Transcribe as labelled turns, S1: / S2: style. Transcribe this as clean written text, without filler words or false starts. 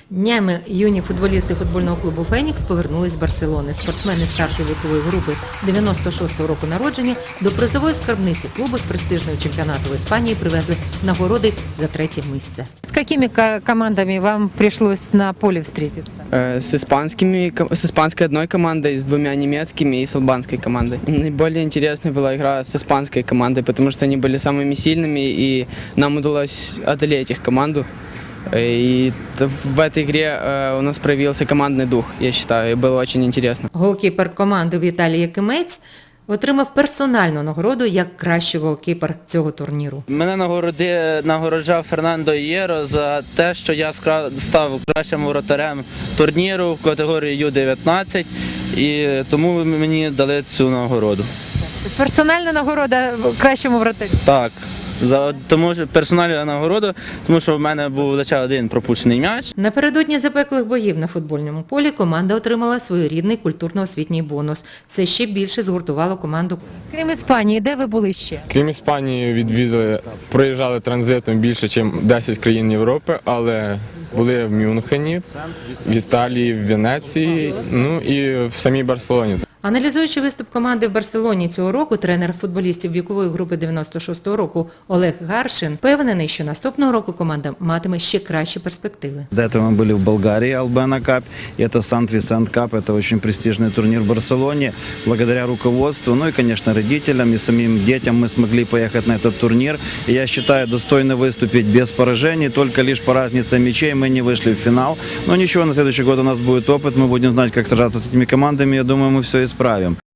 S1: Днями юні футболісти футбольного клубу «Фенікс» повернулись з Барселони. Спортсмени старшої вікової групи 96-го року народження до призової скарбниці клубу з престижного чемпіонату в Іспанії привезли нагороди за третє місце.
S2: С какими командами вам пришлось на поле встретиться?
S3: С испанской одной командой, с двумя немецкими и с албанской командой. Наиболее интересной была игра с испанской командой, потому что они были самыми сильными, и нам удалось одолеть их команду. И в этой игре у нас проявился командный дух, я считаю, и было очень интересно.
S1: Голкіпер команди Віталій Якимець отримав персональну нагороду як кращий голкіпер цього турніру.
S4: Мене нагороджав Фернандо Ієро за те, що я став кращим воротарем турніру в категорії Ю-19, і тому мені дали цю нагороду.
S2: Персональна нагорода кращому вратарю?
S4: Так, тому що персональна нагорода, тому що в мене був лише один пропущений м'яч.
S1: Напередодні запеклих боїв на футбольному полі команда отримала своєрідний культурно-освітній бонус. Це ще більше згуртувало команду.
S2: Крім Іспанії, де ви були ще?
S5: Крім Іспанії, проїжджали транзитом більше, ніж 10 країн Європи, але були в Мюнхені, в Італії, в Венеції, ну і в самій Барселоні.
S1: Аналізуючи виступ команди в Барселоні цього року, тренер футболістів вікової групи 96-го року Олег Гаршин впевнений, що наступного року команда матиме ще кращі перспективи.
S6: До этого мы были в Болгарии, Албена Кап, это Сант-Висент Кап, это очень престижный турнир в Барселоне. Благодаря руководству, ну и, конечно, родителям и самим детям мы смогли поехать на этот турнир. И я считаю, достойно выступить без поражений, только лишь по разнице мячей мы не вышли в финал. Но ничего, на следующий год у нас будет опыт, мы будем знать, как сражаться с этими командами, я думаю, мы все исправим.